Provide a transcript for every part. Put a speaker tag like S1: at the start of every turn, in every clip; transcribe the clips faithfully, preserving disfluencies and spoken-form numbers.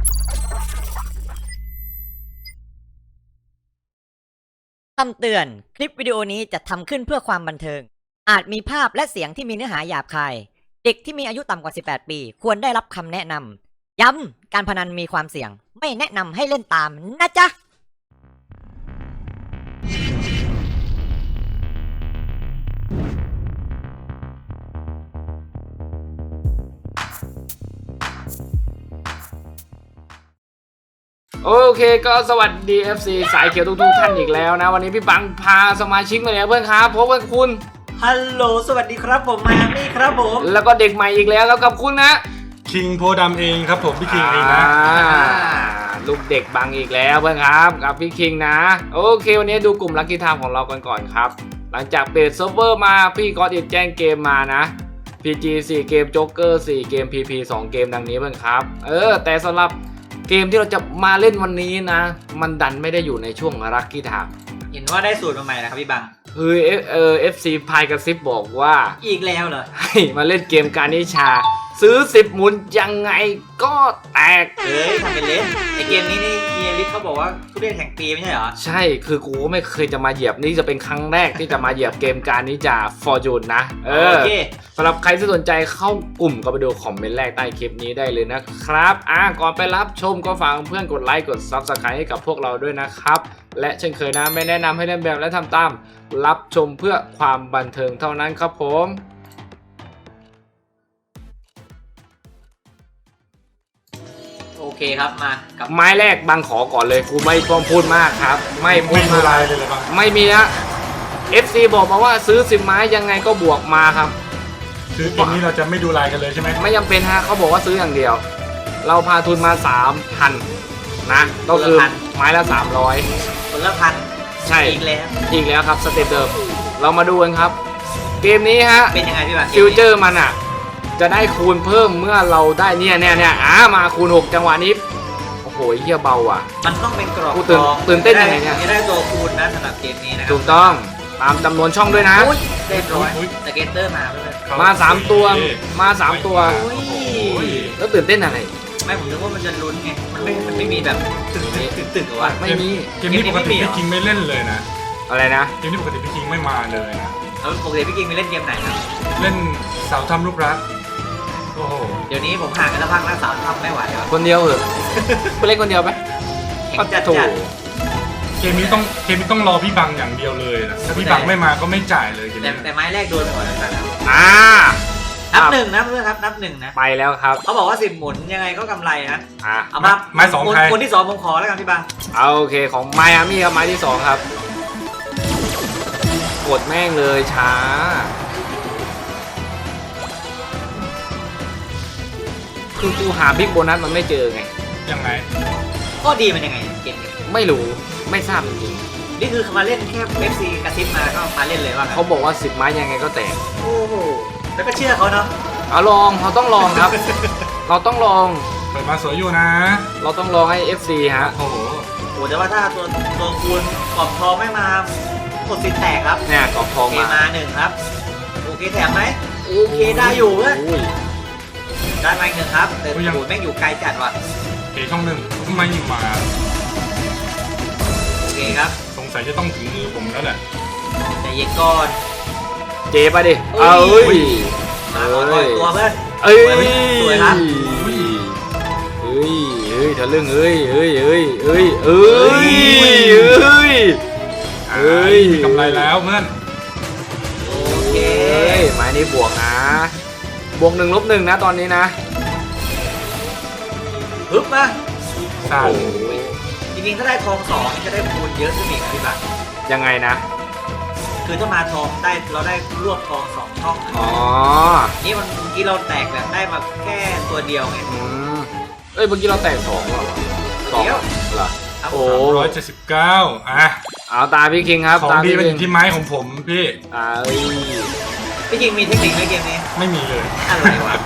S1: คำเตือนคลิปวิดีโอนี้จะทำขึ้นเพื่อความบันเทิงอาจมีภาพและเสียงที่มีเนื้อหาหยาบคายเด็กที่มีอายุต่ำกว่าสิบแปดปีควรได้รับคำแนะนำย้ำการพนันมีความเสี่ยงไม่แนะนำให้เล่นตามนะจ๊ะ
S2: โอเคก็สวัสดี เอฟ ซี สายเขียวทุกๆท่านอีกแล้วนะวันนี้พี่บังพาสมาชิกมาแล้วเพื่อนครับพบกับคุณ
S1: ฮัลโหลสวัสดีครับผมมามี่ครับผม
S2: แล้วก็เด็กใหม่อีกแล้วแล้วกับคุณนะ
S3: คิงโพดำเองครับผมพี่คิงเองนะ
S2: ลูกเด็กบังอีกแล้วเพื่อนครับกับพี่คิงนะโอเควันนี้ดูกลุ่มลัคกี้ไทม์ของเรากันก่อนครับหลังจากเปิดเซิร์ฟเวอร์มาพี่ก็อิดแจ้งเกมมานะ พี จี สี่เกมโจ๊กเกอร์สี่เกม พี พี สองเกมดังนี้เพื่อนครับเออแต่สำหรับเกมที่เราจะมาเล่นวันนี้นะมันดันไม่ได้อยู่ในช่วงลัคกี้ไทม์
S1: เห็นว่าได้สูตรมาใหม่นะครับพี่บัง
S2: เฮ้ยเออเอฟซีพายกระซิบบอกว่า
S1: อีกแล้วเหรอ
S2: ให้มาเล่นเกมการนิชาซื้อสิบหมุนยังไงก็แตก
S1: เฮ้ยทำเป็นเล่นไอเกมนี้นี่เฮียลิสเขาบอกว่าทุเรียนแห่งปีไม่ใช่เหรอ
S2: ใช่คือกูไม่เคยจะมาเหยียบนี่จะเป็นครั้งแรกที่จะมาเหยียบเกมการนิชาฟอร์จูนนะเออสำหรับใครที่สนใจเข้ากลุ่มก็ไปดูคอมเมนต์แรกใต้คลิปนี้ได้เลยนะครับอ่ะก่อนไปรับชมก็ฝากเพื่อนกดไลค์กด ซับสไครบ์ ให้กับพวกเราด้วยนะครับและเช่นเคยนะไม่แนะนำให้เล่นแบบและทำตามรับชมเพื่อความบันเทิงเท่านั้นครับผม
S1: โอเคครับมากับ
S2: ไม้แรกบังขอก่อนเลยกูไม่พร้อมพูดมากครับไม่พูด
S3: อะไรเลยเลยบัง
S2: ไม่มีนะ เอฟ ซี บอกมาว่าซื้อสิบไม้ยังไงก็บวกมาครับ
S3: คือเกมนี้เราจะไม่ดูลายกันเลยใช่ไหม
S2: ไม่จำเป็นฮะเขาบอกว่าซื้ออย่างเดียวเราพาทุนมา สามพัน นะก็คือไม้ละสามร้อย
S1: คนละพัน
S2: ใช่
S1: อีกแล้ว
S2: อีกแล้วครับสเต็ปเดิมเรามาดูกันครับเกมนี้ฮะ
S1: เป็นยังไงพี่บัง
S2: ฟิวเจอร์มันอ่ะจะได้คูณเพิ่มเมื่อเราได้เนี่ยเนี่ยเนี่ยอ่ามาคูณหกจังหวะนี้โอ้โหเฮียเบาอ่ะ
S1: มันต้องเป็นกรอบ
S2: ตื่นตื่นเต้นยังไงเนี่ย
S1: จะได้ตัวคูณนะสำหรับเกมนี้นะ
S2: ถูกต้องตามจำนวนช่องด้วยนะ
S1: เรียบร้อยสเก็ตเตอร์มาเลย
S2: มาสามตัวมาสามตัวแล้วตื่นเต้นอะไร
S1: ไม่ผมนึกว่ามันจะลุ้นไงมันไม่มันไม่มีแบบตึกตึกตึกหรือว่า
S2: ไม่มี
S3: เกมนี้ปกติพี่คิงไม่เล่นเลยนะ
S2: อะไรนะ
S3: เกมนี้ปกติพี่คิงไม่มาเลยนะ
S1: แล้วปกติพี่คิงไปเล่นเกมไหนครับ
S3: เล่นสาวทำรูปรักโอ้โห
S1: เดี๋ยวนี้ผมห่างกันแล้วพักแล้วสาวทำไม่ไหวแล้ว
S2: คนเดียวเหรอไปเล่นคนเดียวไหม
S1: ก็จะถูก
S3: เกมนี้ต้องเกมนี้ต้องรอพี่บังอย่างเดียวเลยนะถ้าพี่บังไม่มาก็ไม่จ่ายเลยเกมนี้
S1: แต่ไม้แรกโดนไปก่อนแล้วกัน
S2: อ่า
S1: นับหนึ่งนะเพื่อนครับนับหนึ่งนะ
S2: ไปแล้วครับ
S1: เขาบอกว่าสิบหมุนยังไงก็กำไรนะ
S2: อ่า
S1: เอามา
S3: ไม้สองใคร
S1: คนที่สองผมขอแล้วกันพี่บัง
S2: เอาโอเคของไมอามี่ครับไม้ที่สองครับกดแม่งเลยช้าคือกูหาบิ๊กโบนัสมันไม่เจอไง
S3: ยังไง
S1: ก็ดีมันยังไงเกมนี้
S2: ไม่รู้ไม่ทราบจริง
S1: ๆนี่คือมาเล่นแค่ เอฟ ซี กระซิบมาก็มาเล่นเลยว่า
S2: เขาบอกว่าสิบไม้ยังไงก็แตก
S1: โอ้โหแล้วก็เชื่อเขาเนาะ
S2: เอาลองเราต้องลองครับ เราต้องลอง
S3: เปิดมาสวยอยู่นะ
S2: เราต้องลองให้ เอฟ ซี ฮะ
S3: โอ้โห
S1: โอ้แต่ว่าถ้าตัวตัวคูณกรอบทองไม่มากดสินแตกครับ
S2: เนี่ยกรอบทองมา
S1: มาหนึ่งครับโอเคแถมไหมโอเคได้อยู่เว้ยได้มาหนึ่งครับแต่โอ้แม่งอยู่ไกลจัดว่ะ
S3: เอช่องหนึ่งไม่มา
S1: โอเคครับ
S3: สงสัยจะต้องถึงมือผมแล้วแหละ
S1: แต่เย็นก่อน
S2: เจ๊ไปดิเอ้ย
S1: มาก่อนตัวเพื่อน
S2: เอ้ย
S1: สวยครับ
S2: เอ้ยเอ้ยทะลึ่งเอ้ยเอ้ยเอ้ยเอ้ยเอ้ยเอ้ยเอ้ย
S3: มีกำไรแล้วเพื่อน
S1: โอเค
S2: ไม้นี้บวกนะบวกหนึ่งลบหนึ่งนะตอนนี้นะ
S1: ฮึบมา
S3: สาม
S1: จริงๆถ้าได้ทองสองจะได้คูณเยอะขึ้นอีกพี่บัง
S2: ยังไงนะ
S1: คือถ้ามาทองได้เราได้รวบทองสองช่อง
S2: อ๋อ
S1: นี่มันเมื่อกี้เราแตกแบบได้มาแค่ตัวเดียวไง
S2: อืมเอ้ยเมื่อกี้เราแตกสองเหรอ
S1: สอง
S2: เหรอ
S3: โอ้ร้อยเจ็ดสิบเก้าอ่ะ
S2: เอาตาพี่คิงครับ
S3: ของดีเป็นที่ไม้ของผมพี่
S2: อ่า
S1: พี่คิงมีเทคนิคไหมเกมนี้
S3: ไม่มีเลย
S1: อะไรวะ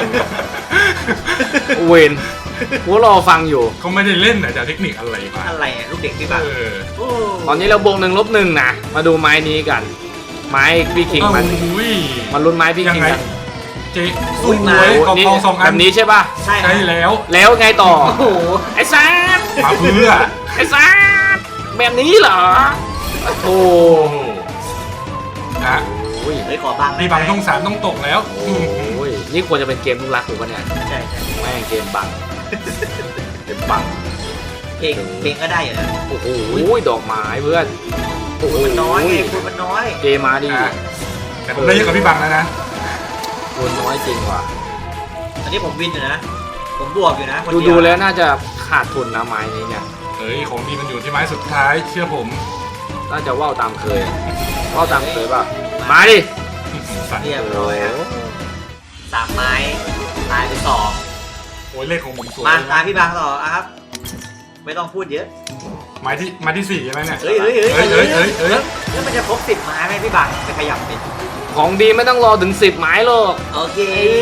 S2: เวนกูรอฟังอยู่
S3: เขาไม่ได้เล่นแต่จะเทคนิคอะไรมา
S1: อะไรอ่ะลูกเด็กพี่บัง
S2: ตอนนี้เราบวกหนึ่งลบหนึ่งนะมาดูไม้นี้กันไม้พี่คิงมันมันลุ้นไม้พี่คิงกัน
S3: เจเจ๊สวยกองทองสองอั
S2: แบ
S3: น
S2: บนี้ใช่ป่ะ
S4: ใช่ครั
S3: ใช่
S4: บ
S3: แล้ว
S2: แล้วไงต่อ
S4: โอ้โห
S2: ไอ้ซัด
S3: มาเพื่อ
S2: ไอ้ซัดแบบนี้เหรอโอ้โห
S3: โอ้โหนะ
S2: โอ้ย
S4: เฮ้ยขอบังได้
S3: พี่
S4: ไหม
S3: บังต้องสามต้องตกแล้ว
S2: โอ้ยนี่ควรจะเป็นเกมลูกรักถูกป่ะเนี่ย
S4: ใช่ใช่
S2: แม่งเกมบังเกมบัง
S4: เพลงเพลงก็ได้อยู่นะ
S2: โอ้โหดอกไม้เพื่อนโอ้โห
S4: มันน้อยไงคุณมันน้อย
S2: เกมมาดิ
S3: อ่ะแต่ผมได้เยอะกว่าพี่บังแล้วนะ
S2: คนน้อยจริงว่ะ
S4: อันนี้ผมวินอยู่นะ ผมบวกอยู่นะคน
S2: ดู
S4: เดี
S2: ดู
S4: ยว
S2: แล้วน่าจะขาดทุนนะไม้นี้เนี่ย
S3: เฮ้ยของดีมันอยู่ที่ไม้สุดท้ายเชื่อผม
S2: น่าจะว่าวตามเคยว่าวตามเคยป่ะมาดิ
S3: สั่น
S4: เรียบร้อยครับสามไม้ตายไปสอง
S3: โอ้ยเลขของผมสวย
S4: มาตามพี่บางต่ออ่ะครับ ไม่ต้องพูดเยอะ
S3: ไม้ที่ไม้ที่สี่ใช่ไหมเนี่ย
S4: เฮ้ยเฮ้ยเฮ้ย
S3: เฮ้ยเฮ้ยเฮ้ยเฮ้ย
S4: แล้วมันจะครบสิบไม้ไหมพี่บางไปขยับเป็น
S2: ของดีไม่ต้องรอถึงสิบไม้หรอก
S4: โอเค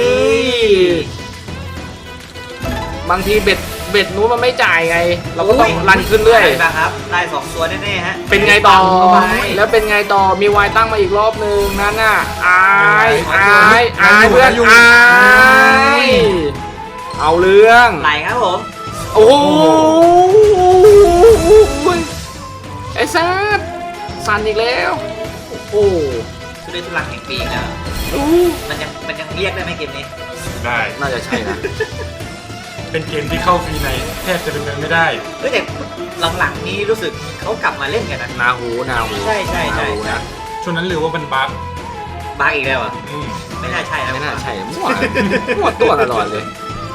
S2: บางทีเบ็ดเบ็ดนู้นมันไม่จ่ายไง เราก็ต้องรันขึ้นเรื่อย
S4: พี่บางครับได้สองตัวแน่ๆฮะ
S2: เป็นไงต่อ
S4: เข้าไป
S2: แล้วเป็นไงต่อมีวายตั้งมาอีกรอบนึงนั่นน่ะอายอายอายเพื่อนอายเอาเรื่อง
S4: ไหลครับผม
S2: โอ้โหไอ้ซัดสั่นอีกแล้วโอ้โห
S4: ชุดเล่นทุลังแห่งปีนะ
S2: อู้
S4: มันยังมันยังเรียกได้ไหมเกมนี้
S3: ได้
S2: น่าจะใช่นะ
S3: เป็นเกมที่เข้าฟรีในแทบจะเป็นไปไม่ได้
S4: เฮ้ยแต่หลังๆนี้รู้สึกเขากลับมาเล่นกันนะ
S2: นาหูนาหู
S4: ใช่ใช่ใช่
S2: นาหูนะ
S3: ช่วงนั้นหรือว่ามันบั๊ก
S4: บางอีกแล้วอ่ะ
S3: อืม
S4: ไม่น่าใช่นะ
S2: ไม่น่าใช่มั่วมั่วตัวตลอดเลย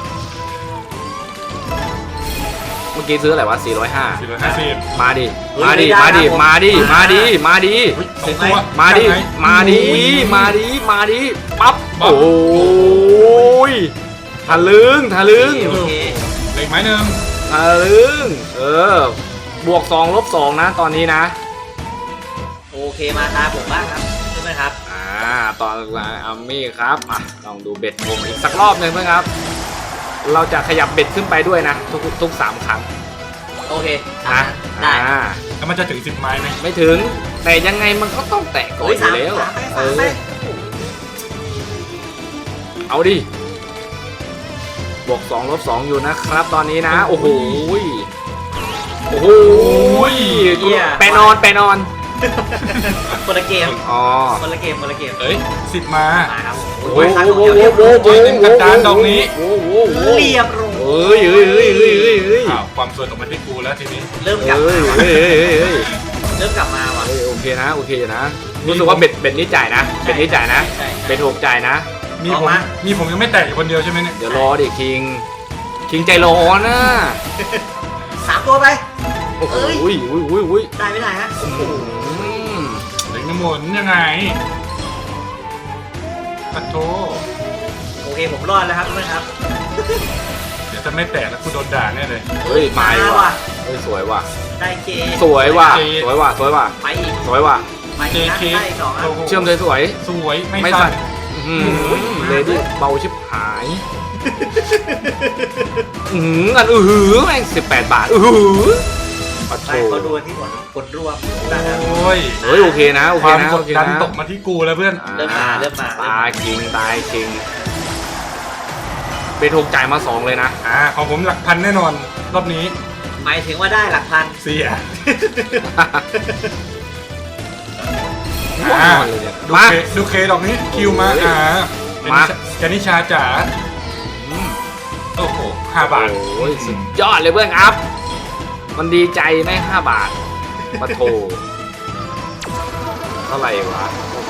S2: เมื่อกี้ซื้ออะไรวะสี่ร้อยห้า
S3: สี่ร้อยห้าสิบ
S2: มาดิ มาดิ มาดิ มาดิ มาดิ มาดิ
S3: สองตัว
S2: มาดิ
S3: ยังไง
S2: มาดิ
S3: โอ้ย
S2: มาดิ มาดิ ปั๊บ
S3: ปั๊บ
S2: โอ้ยทะลึงทะลึง
S4: โอเค
S3: เหล็กไม้หนึ่ง
S2: ทะลึง เออ บวกสองลบสองนะ ตอนนี้นะ
S4: โอเคมาตาผมบ้างครับใช่ไหมครับ
S2: อ่า ตอนอาร์มี่ครับอ่ะลองดูเบ็ดผมอีกสักรอบหนึ่งเพื่อนครับ เราจะขยับเบ็ดขึ้นไปด้วยนะ ทุกทุกสามครั้ง
S4: โอเค
S2: นะ
S4: ได้
S2: อ่า
S3: แล้วมันจะถึงสิบไม้ไหม
S2: ไม่ถึง แต่ยังไงมันก็ต้องแตะก่อน
S4: เฮ้ย
S2: อ
S4: สา
S2: ยู่
S4: ม
S2: แล้ว
S4: สามไป
S2: เอ
S4: สาม
S2: อ
S4: ไป
S2: เอาดิ บวกสองลบสองอยู่นะครับตอนนี้นะ โอ้โหยโอ้โหยไปนอนไปนอน
S4: คนละเกม
S2: อ๋อ
S4: คนละเกมคนละเกม
S3: เอ้ยสิบมา
S4: มาครับ
S2: โอ้
S4: โอ้
S2: โห
S4: ยครั้ง
S2: โอ้โห
S4: เดียว
S2: โอ้โห
S4: เรียบ
S2: โอ้โห
S3: เต็มกระดานดอกนี้
S2: โอ้โห
S4: เรียบร้อย
S2: เอ้ยเอ้ยเอ้ยเอ้ยเอ้ยเอ้ย
S3: อ้าวความสวยตกมาที่กูแล้วทีนี้
S4: เริ่มกลับ
S2: เอ้
S4: มาย ว่ะ
S2: เอ้ยเอ้ยเอ้ย
S4: เริ่มกลับมาว่ะ
S2: เอ้ยโอเคนะโอเคอยู่นะรู้สึกว่าเบ็ดเบ็ดนี้จ่ายนะเบ็ดนี้จ่ายนะ
S4: ใช่ใช่
S2: เบ็ดหกจ่ายนะ
S3: มี
S4: ออก
S3: ผม
S4: มา
S3: มีผมยังไม่แตกอยู่คนเดียวใช่ไหมเนี่ย
S2: เดี๋ยวรอดิคิง คิงใจร้อนนะ
S4: สามตัวไป
S2: โอ้โห
S4: เอ้ย
S2: อุ้ยอุ้ยอุ้ยอุ้ย
S4: ได้ไม่ได้ฮะ
S2: อืม
S3: เหล็กน้ำมนต์ยังไงปัดโท
S4: โอเคผมรอดแล้วครับเพื่อนครับ
S3: เดี๋ยวจะไม่แตกแล้วกูโดนด่าแน่เลย
S2: เฮ้ยมา
S4: มา
S2: ว่ะ
S4: ว่ะ
S2: เฮ้ยสวยว่ะ
S4: ได้เจ
S2: สวยว่ะ
S3: เจ
S2: สวยว่ะสวยว่ะ
S4: ไปอีก
S2: สวยว่ะ
S4: ไปอีกนะ
S3: เจเค
S4: ได้อีกสองอ่ะ
S3: โอ้โห
S2: เชื่อมเลยสวย
S3: สวยไม่
S2: ไม่
S3: สั่
S2: สั่
S3: น
S2: นอื้อหือเลยดิเบาชิบหายอือหืออันอือหือแม่งสิบแปดบาทอือหือปัดโถ
S4: ไปเขาดูที่ผลผลรวมนะครับ
S3: โอ้ย
S2: เฮ้ยโอเคนะโอ
S3: ค
S2: เคว
S3: าม
S2: นะ
S3: ก
S2: โอ
S3: ด
S2: เค
S3: ดัน
S2: นะ
S3: ตกมาที่กูแล้วเพื่อน
S4: เริ่มมาเริ่มมา
S2: ตายคิงตายคิงเบทกจ่ายมาสองเลยนะ
S3: อ่าของผมหลักพันแน่นอนรอบนี้
S4: หมายถึงว่าได้หลักพัน
S3: เสีย
S2: ว้าวเลยเนี่ย
S3: ดู
S2: มา
S3: เคดูเคดอกนี้คิวมา
S2: โอ้ย
S3: อ่า
S2: มา
S3: แกนิชาจ๋าอืมโอ้โหห้าบาท
S2: โอ้ยสุดยอดเลยเพื่อนครับ มันดีใจไหมห้าบาทปะโถเท่าไหร่วะ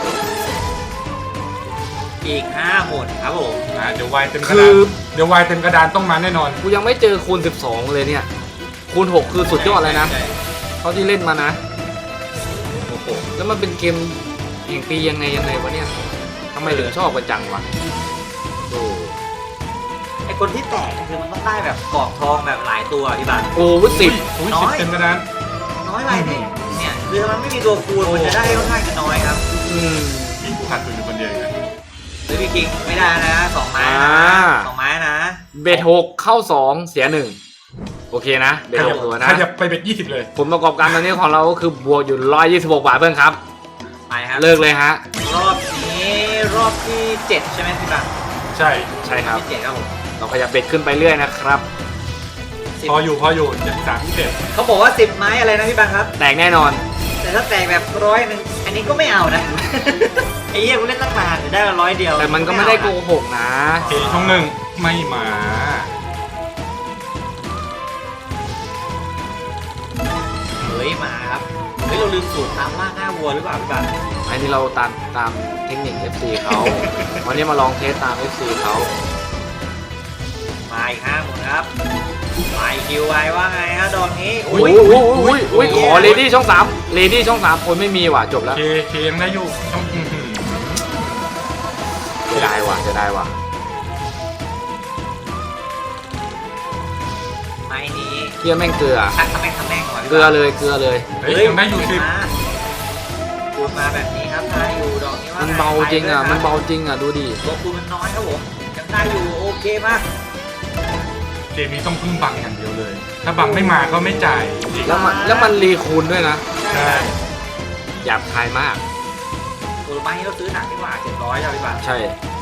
S4: อีกห้าหมดครับผม
S3: อ่าเดี๋ยววายเต็มกระ
S2: คื
S3: ดา
S2: อ
S3: นเดี๋ยววายเต็มกระดานต้องมาแน่นอน
S2: กูยังไม่เจอคูณสิบสองเลยเนี่ย คูณหกคือสุดยอดเลยนะ
S4: ใช่
S2: เท่าที่เล่นมานะโอ้โหแล้วมันเป็นเกมแห่งปียังไงยังไงวะเนี่ยทำไมถึงชอบกันจังวะโอ้
S4: ไอคนที่แตกคือมันต้องได้แบบกรอบทองแบบหลายตัวพี่บัตร
S2: โหสิบ
S3: อุ้ย
S4: น้
S3: สิ
S4: อบ ย
S3: เต็มกระดาน
S4: น้อยไปเนี่ยเนี่ยคือถ้ามันไม่มีตัวคูณมันจะได้ค่อนข้างจะน้อยครับ
S2: อืม
S3: อีกขาดทุนอยู่คนเดียวอีกนะ
S4: หรือพี่คิงไม่ได้นะสองไม้นะ
S2: อ่า
S4: สองไม้นะ
S2: เบทหกเข้าสองเสียหนึ่งโอเคนะเบทหกตัวนะ
S3: ขยับไปเบ็ดยี่สิบเลย
S2: ผลประกอบการตอนนี้ของเราก็คือบวกอยู่ร้อยยี่สิบหกบาทเพื่อนครับ
S4: ไปครับ
S2: เลิกเลยฮะ
S4: รอบนี้รอบที่เจ็ดใช่ไหมพี่บัตร
S2: ใ
S3: ใช่
S2: ใช่ครับ
S4: ยี่สิบเจ็ดครับผม
S2: เราขยับเบ็ดขึ้นไปเรื่อยนะครับ
S4: สิบ
S3: พออยู่พออยู่เจ็ดสามเจ็ด
S4: เขาบอกว่าสิบไม้อะไรนะพี่บังครับ
S2: แตกแน่นอน
S4: แต่ถ้าแตกแบบร้อยหนึ่งอันนี้ก็ไม่เอานะ ไอ้เหี้ยกูเล่นตั้งนานจะได้มาร้อยเดียว
S2: แต่มันก็ไม่ได้โกหกนะ
S3: โอเคช่องหนึ่งไม่มา
S4: เฮ้ยมาครับเฮ้ยเราลืมสูตรตามล่าหน้าวัวหรือเปล่าพี่บัง
S2: อันนี้เราตามตามเทคนิค เอฟ ซี เขา วันนี้มาลองเทสตาม เอฟ ซี เขา
S4: มาอีกห้าหมดครับมาอีกคิวไว้ว่าไงฮะดอกนี้
S2: อุ้ยอุ้ยอุ้ยอุ้ยขอเลดี้ช่องสามเลดี้ช่องสามคนไม่มีว่ะจบแล้ว
S3: เคเคยังได้อยู่ช่องอื้อหือ
S2: จะได้ว่ะจะได้ว่ะ
S4: ไม้นี้
S2: เฮียแม่งเกลือ
S4: ชักทำแม่งทำแม่งก่อน
S2: เกลือเลยเกลือเลย
S3: เฮ้ยยังได้อยู่สิบ
S4: คูณมาแบบนี้ครับได้อยู่ดอกนี้ว่า
S2: มัน
S4: ไง
S2: เบาจริงอ่ะ
S4: ไป
S2: มัน
S4: ด้วยค
S2: เบาจริงอ่ะดูดิ
S4: ตัวคูณมันน้อยครับผมยังได้อยู่โอเคมาก
S3: เกมนี้ต้องพึ่งบังอย่างเดียวเลย ถ้าบังไม่มาก็ไม่จ่ายจริง
S2: แล้วมันแล้วมันรีคูณด้วยนะ
S3: ใช่
S2: หยาบคายมาก
S4: ตัวไม้นี้เราซื้อหนักดีกว่าเจ็ดร้อยใช่ไหมพี่บัง
S2: ใช่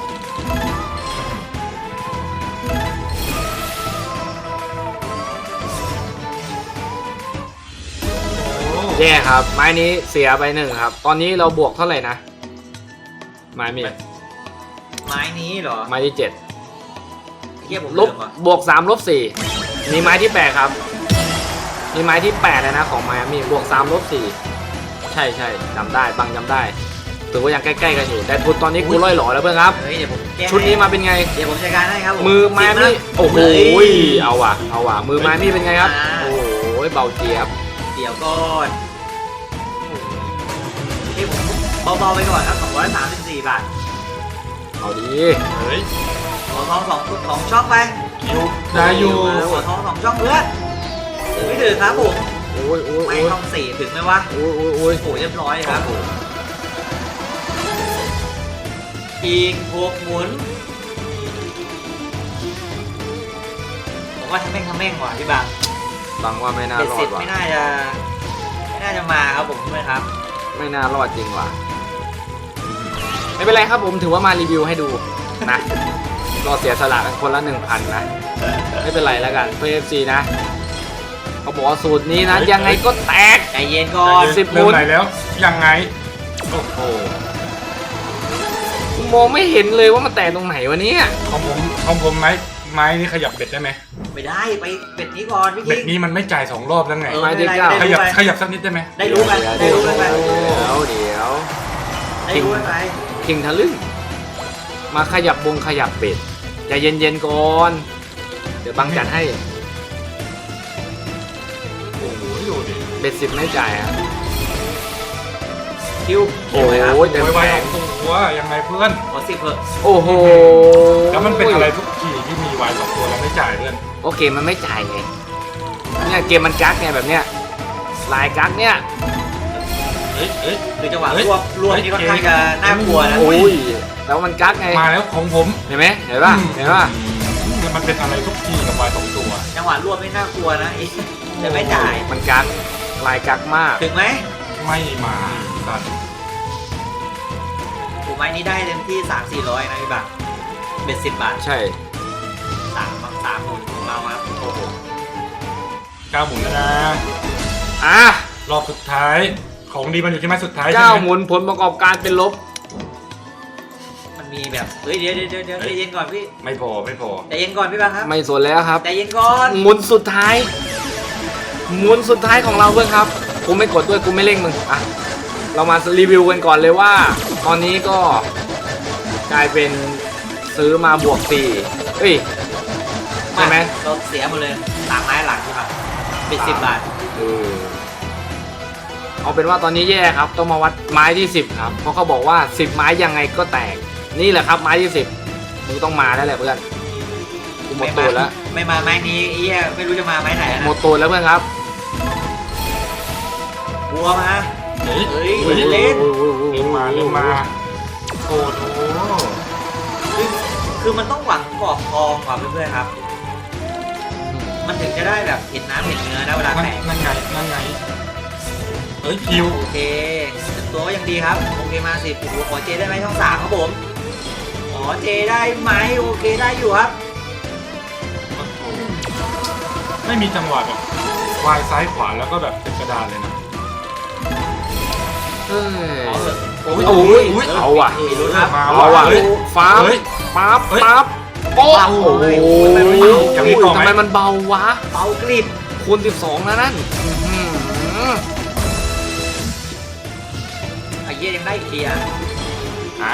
S3: โอ้
S2: แย่ครับ ไม้นี้เสียไปหนึ่งครับ ตอนนี้เราบวกเท่าไหร่นะ ไม้มี
S4: ไม้นี้เหรอ
S2: ไม้ที่เจ็ด
S4: เทียบผม
S2: ล
S4: ลื
S2: บ
S4: มอ่ะ
S2: บวกสามลบสี่มีไม้ที่แปดครับ มีไม้ที่แปดเลยนะของไม้มีบวกสามลบสี่ใช่ใช่จำได้บังจำได้ถือว่ายังใกล้ๆกันอยู่ แต่ทุนตอนนี้กูล่อยหล่อแล้วเพื่อนครับ
S4: เฮ้ยเดี๋ยวผมแก้
S2: ชุดนี้มาเป็นไง
S4: เดี๋ยวผมจัดการให้ครับผ
S2: มือไม้นี่โอ้โห
S4: เฮ้ย
S2: เอาว่ะเอาว่ะมือไม้นี่เป็นไงครับ
S4: อ่า
S2: โอ้โหเบาเจี๊ยบ
S4: เดี๋ยวก่อนนี่ผมเบาๆไปก่อนครับสองร้อยสามสิบสี่บาท
S2: เอาดี
S3: เฮ้ย
S4: หัวทองสองสองช่องไป
S3: คิวได้อยู่
S4: หัวทองสองช่องเพื่อนถึงไม่ถึงครับผม
S2: โอ้ยโอ้ย
S4: ไม่
S2: โอ้ย
S4: ช่องสี่ถึงไหมวะ
S2: โอ้ยโอ้ยโอ้ย
S4: โอ้โหเรียบร้อยครับอีกหกหมุนผมว่าทำแม่งทำแม่งว่ะพี่บาง
S2: บังว่าไม่น่า
S4: เบ็ด
S2: รอ
S4: เสร็
S2: ด
S4: จ
S2: ว่ะ
S4: ไม่น่าจะไม่น่าจะมาครับผมใช่ไหมครับ
S2: ไม่น่ารอดจริงว่ะไม่เป็นไรครับผมถือว่ามารีวิวให้ดูนะ ก็เสียสละกันคนละหนึ่งพันนะ ไม่เป็นไรแล้วกันเพื่อ เอฟ ซี นะเขาบอกว่าสูตรนี้นะ
S3: เฮ้ย
S2: ยังไงก็แตก
S4: ใจเย็นก่อน
S2: สิบ
S3: เริ่
S2: หมุ
S3: ม
S2: น
S3: ไหนแล้วยังไงโอ้โห
S2: กูมองไม่เห็นเลยว่ามันแตกตรงไหนวะเนี่ย
S3: ของผมของผมไม้ไม้นี่ขยับเบ็ดได้ไหม
S4: ไม่ได้ไปเป็ดนี้ก่อนพี่
S3: เบ็
S4: คิ
S3: ด
S4: ง
S3: นี้มันไม่จ่ายสองรอบแล้วไง
S4: เออ
S2: ไม้ที่เก้า
S3: ขยับขยับสักนิดได้ไหม
S4: ได้รู้กันได้
S2: เดี๋ยว
S4: รู้กันไป
S2: เดี๋ยวเดี๋ยว
S4: ได้รู้กันไป
S2: คิงทะลึ่งมาขยับบงขยับเบ็ดใจเย็นๆก่อน เดี๋ยวบังจัดให้
S3: โอ้โหดูดิ
S2: เบ็ดสิบไม่จ่ายอ่ะ
S4: คิว
S2: โอ้โห
S3: โอ้
S2: เต็ม
S3: ยไว
S2: แผง
S3: สองตัวยังไงเพื่อน
S4: ขอสิบเถอะ
S2: โอ้โห
S3: แล้วมันเป็นอะไรทุกทีที่มีวายสองตัวแล้วไม่จ่ายเพื่อน
S2: โอเคมันไม่จ่ายไงเนี่ยเกมมันกักไงแบบเนี้ยลายกักเนี่ย
S3: เฮ้ยเฮ้ย
S4: คือจังหวะ
S3: เฮ้ย
S4: รวบรวบนี่ค่อนข้างจะน่ากลัวนะ
S2: โอ้ยแต่ว่ามันกักไง
S3: มาแล้วของผม
S2: เห็นไหมเห็นป่ะเห็นป่ะ
S3: อืมมันเป็นอะไรทุกทีกับวายสองตัว
S4: จังหวะรวบนี่น่ากลัวนะไอ้จะไม่จ่าย
S2: มันกักลายกักมาก
S4: ถึงไหม
S3: ไม่มาสัตว์
S4: ถูกไหมนี่ได้เต็มที่สามสี่ร้อยนะพี่บังเบ็ดสิบบาท
S2: ใช่
S4: สามสามหมุนของเราครับโอ้โห
S3: เก้าหมุนแล้วนะ
S2: อ่ะ
S3: รอบสุดท้ายของดีมันอยู่ที่ไม้สุดท้ายใช่
S2: เก้า
S3: ไหม
S2: หมุนผลประกอบการเป็นลบ
S4: มันมีแบบเฮ้ยเดี๋ยวเดี๋ยวเดี๋ยวเดี๋ยวใจเย็นก่อนพี่
S3: ไม่พอไม่พอ
S4: ใจเย็นก่อนพี่บังครับ
S2: ไม่สนแล้วครับ
S4: ใจเย็นก่อน
S2: หมุนสุดท้าย หมุนสุดท้ายของเราเพื่อนครับกูไม่กดด้วยกูไม่เร่งมึงอ่ะเรามารีวิวกันก่อนเลยว่า ตอนนี้ก็กลายเป็นซื้อมาบวกสี่เอ้ยใช่ไหม
S4: เราเสียหมดเลยสามไม้หลังใช่ปะเบ็ดสิบบาท
S2: เออเอาเป็นว่าตอนนี้แย่ครับ ต้องมาวัดไม้ที่สิบครับ เพราะเขาบอกว่าสิบไม้ยังไงก็แตก นี่แหละครับไม้ที่สิบมึงต้องมาแล้วแหละเพื่อนกูหมดตัวแล้ว
S4: ไม่มาไม้นี้ไอ้เหี้ยไม่รู้จะมาไม้ไหนแล้ว
S2: หม
S4: นะ
S2: ดตัวแล้วเพื่อนครับ
S4: บัวมา
S3: เฮ้ย
S4: เฮ้ย
S3: เฮ้ย
S4: เล่น
S3: เริ่มมาเริ่มมาโอ้โห
S4: คือคือมันต้องหวังกรอบทองก่อนเพื่อนๆครับ มันถึงจะได้แบบเห็นน้ำเห็นเนื้อนะเวลา
S3: นั่น
S4: แตก
S3: นั่นไงนั่นไงเฮ้ยคิว
S4: โอเคตัวก็ยังดีครับโอเคมาสิบหัวขอเจได้ไหมช่องสามครับผมขออเจได้ไหมโอเคได้อยู่ครับ
S3: โอ้โหไม่มีจังหวะแบบวายซ้ายขวาแล้วก็แบบเป็นกระดานเลยนะ
S2: เฮ้ย
S4: ขอเถอะ
S2: โอ้ยโอ้ยโอ้ยเอาว่ะ
S4: มีลุ้นครับ
S3: มา
S2: เอาว่ะ
S3: เฮ้ย
S2: ฟ้าบ
S3: เฮ้ย
S2: ปั๊บ
S3: เฮ้ย
S2: ปั๊บโอ้
S4: เบา
S2: โห
S4: เฮ้ยทำไมมันเบา
S3: ยังไม่ต่อไหม
S2: ทำไมมันเบาวะ
S4: เบากริบ
S2: คูณสิบสองนะนั่นอื้อหือ
S4: ไอ้เหี้ยยังได้เคลียร์
S3: อ่ะ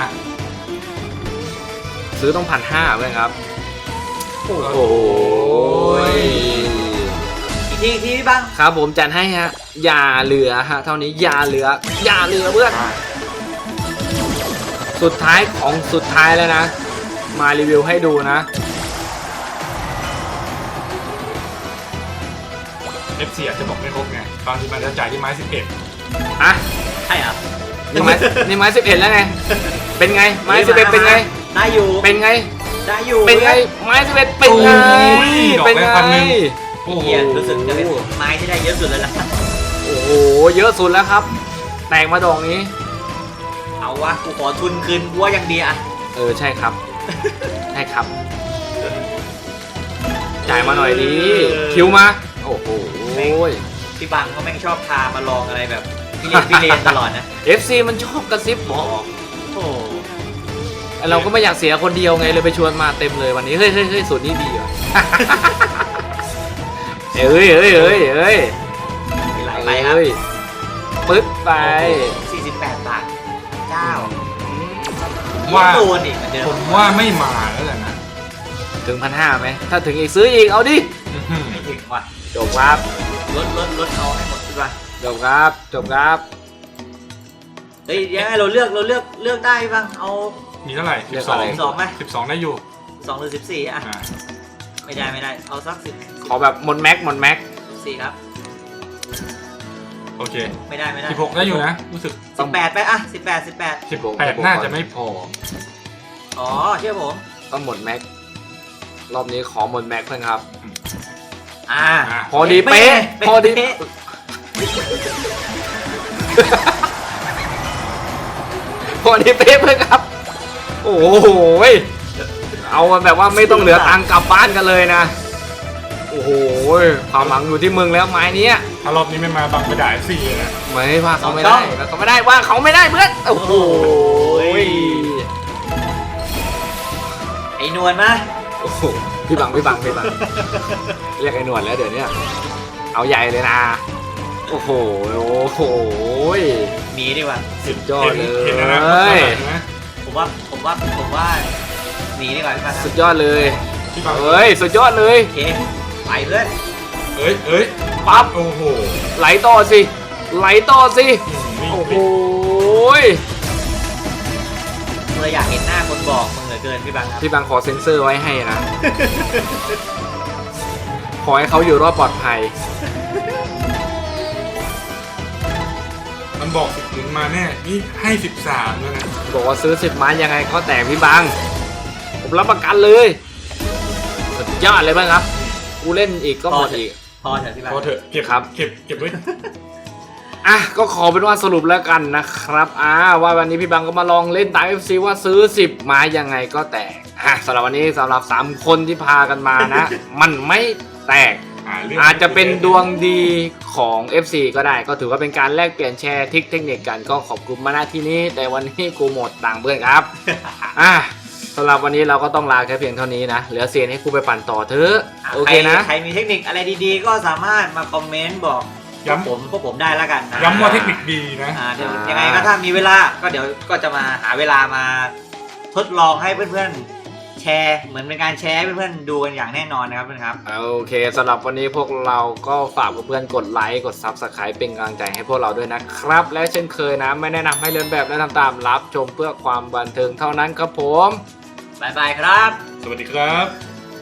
S2: ซื้อต้องพันห้าเลยครับ
S3: โอ้โห
S2: โอ้ย
S4: อีกทีอีกทีพี่บัง
S2: ครับผมจัดให้ฮะอย่าเหลือฮะเท่านี้อย่าเหลืออย่าเหลือเพื่อน
S3: อ่ะ
S2: สุดท้ายของสุดท้ายแล้วนะ มารีวิวให้ดูนะ
S3: เอฟซีอาจจะบอกไม่ครบไงบางทีมันจะจ่ายที่ไม้สิบเอ็ด
S2: อ่ะ
S4: ใช่ครับ
S2: นี่ไม้นี่ไม้สิบเอ็ดแล้วไง เป็นไง ไม้สิบเอ็ดเป็นไง
S4: ได้อยู่
S2: เป็นไง
S4: ได้อยู่
S2: เป็นไง ไม้สิบเอ็ดเป็นไง เป็นไง
S3: โอ้โห
S4: เหี้ยรู้สึกจะเป็นไม้ที่ได้เยอะสุดเลยนะ
S2: โอ้โห เยอะสุดแล้วครับ แตกมาดอกนี้
S4: เอาวะกูขอทุนคืนกูว่ายังดีอะ
S2: เออ ใช่ครับ ใช่ครับ จ่ายมาหน่อยดี คิวมา โอ้โห
S4: พี่บังก็แม่งชอบพามาลองอะไรแบบพี่เรียนพี่เรียนตลอดนะ
S2: เอฟ ซี มันชอบกระซิบบอก
S4: โอ้
S2: เราก็ไม่อยากเสียคนเดียวไงเลยไปชวนมาเต็มเลยวันนี้ เฮ้ยเฮ้ยเฮ้ยสูตรนี้ดีว่ะ เอ้ยเอ้ยเอ้ยเอ้ย
S4: มีหลายใบครับ
S2: เอ้ยปึ๊บไป
S4: สี่สิบแปดบาทเจ้า
S3: ว่า
S4: โดนอีกเหมือนเดิ
S3: ผม มว่าไม่มาแล้วแหละนะ
S2: ถึงพันห้าไหม ถ้าถึงอีกซื้ออีก เอาดิ
S3: อื้อหือ
S4: ไม่ถึงว่ะ
S2: จบครับ
S4: ลดลดลดเอาให้หมดดีกว่า
S2: จบครับ จบครับ
S4: เฮ้ยยังไงเราเลือกเราเลือกเลือกได้บ้างเอา
S3: มีเท่าไหร่
S2: เรี
S3: สิ
S2: ยก
S3: บสอง
S2: อะไร
S4: สองไหม
S3: สิบสองได้อยู่
S4: สองหรือสิบสี่อะ
S3: อ่า
S4: ไม่ได้ไม่ได้เอาสักสิบ
S2: ขอแบบหมดแม็กหมดแม็ก
S4: สี่ครับ
S3: โอเค
S4: ไม่ได้ไม่ได้
S3: สิบหกได้อยู่นะ รู้สึก
S4: สิบแปดไปอะสิบแปดสิบแปด
S3: สิบแปดน่าจะไม่พอ
S4: อ๋อเชื่อผม
S2: ต้องหมดแม็ก รอบนี้ขอหมดแม็กเพื่อนครับ
S4: อ่า
S3: อ่ะ
S2: พอดีเป๊ะ พอดี
S4: เป๊ะ
S2: พอดีเป๊ะเพื่อนครับ โอ้โหยเอามาแบบว่าไม่ต้องเหลือตังค์กลับบ้านกันเลยนะ โอ้โหยความหวังอยู่ที่มึงแล้วไม้เนี้ย
S3: ถ้ารอบนี้ไม่มาบังไปด่าเอฟซีเลยนะ
S2: ไม่ว่าเขาไม่ได้ว่าเขาไม่ได้ว่าเขาไม่ได้เพื่อน โอ้โหย
S4: ไอ้นวลมา
S2: โอ้โหพี่บังพี่บังพี่บัง เรียกไอ้หนวดแล้วเดี๋ยวเนี้ยเอาใหญ่เลยนะ โอ้โหโอ้โหย
S4: มีดีกว่า
S2: สุดยอดเลย
S3: เห็นแล้วนะเห็นไหม
S4: ผมว่าผมว่าผมว่าหนีดีกว่าพี่ปา
S2: สุดยอดเลย
S3: พี่บัง
S2: เฮ้ยสุดยอดเลย
S4: โอเคไปเพื่อน
S3: เอ้ยเอ้ย
S2: ปั๊บ
S3: โอ้โห
S2: ไหลต่อสิไหลต่อสิ
S3: นี่
S2: โอ้โห
S3: นี่
S2: ย
S4: เมื่ออยากเห็นหน้าคนบอกมึงเหลือเกินพี่บังครับ
S2: พี่บังขอเซ็นเซอร์ไว้ให้นะ ขอให้เขาอยู่รอดปลอดภัย
S3: มันบอกสิบถึงมาแน่ นี่ให้สิบสามแล้วนะ
S2: บอกว่าซื้อสิบไม้ยังไงก็แตกพี่บัง ผมรับประกันเลย สุดยอดเลยบ้างครับ กูเล่นอีกก็หมดอีก
S4: พอเถอะพี่บัง
S3: พอเถอะเก็บ
S2: ครับ
S3: เก็บเก็บไว้
S2: อ่ะก็ขอเป็นว่าสรุปแล้วกันนะครับอ่าว่าวันนี้พี่บังก็มาลองเล่นตาม เอฟ ซี ว่าซื้อสิบไม้ยังไงก็แตกอ่ะสำหรับวันนี้สำหรับสามคนที่พากันมานะ มันไม่แตก
S3: อ่าเรื่อง
S2: อาจจะเป็นดวงดีของ เอฟ ซี ก็ได้ ก็ถือว่าเป็นการแลกเปลี่ยนแชร์ทริคเทคนิคกันก็ขอบคุณมาณที่นี้ แต่วันนี้กูหมดตังค์เพื่อนครับ อ่ะสำหรับวันนี้เราก็ต้องลาแค่เพียงเท่านี้นะเหลือเสียให้กูไปปั่นต่อเถอะโอเคนะ
S4: ใครใครมีเทคนิคอะไรดีๆ ก็สามารถมาคอมเมนต์บอก
S3: ย้ำ
S4: ผมพวกผมได้แล้วกันนะ
S3: ย้ำว่าเทคนิคดีนะ
S4: อ่าเดี๋ยวยังไงก็ถ้ามีเวลาก็เดี๋ยวก็จะมาหาเวลามาทดลองให้เพื่อนๆแชร์เหมือนเป็นการแชร์ให้เพื่อนๆดูกันอย่างแน่นอนนะครับเพื่อนครับ
S2: โอเคสำหรับวันนี้พวกเราก็ฝากเพื่อนๆกดไลค์กด ซับสไครบ์ เป็นกำลังใจให้พวกเราด้วยนะครับ และเช่นเคยนะไม่แนะนำให้เลียนแบบและทำตามรับชมเพื่อความบันเทิงเท่านั้นครับผม
S4: บ๊ายบายครับ
S3: สวัสดีครับ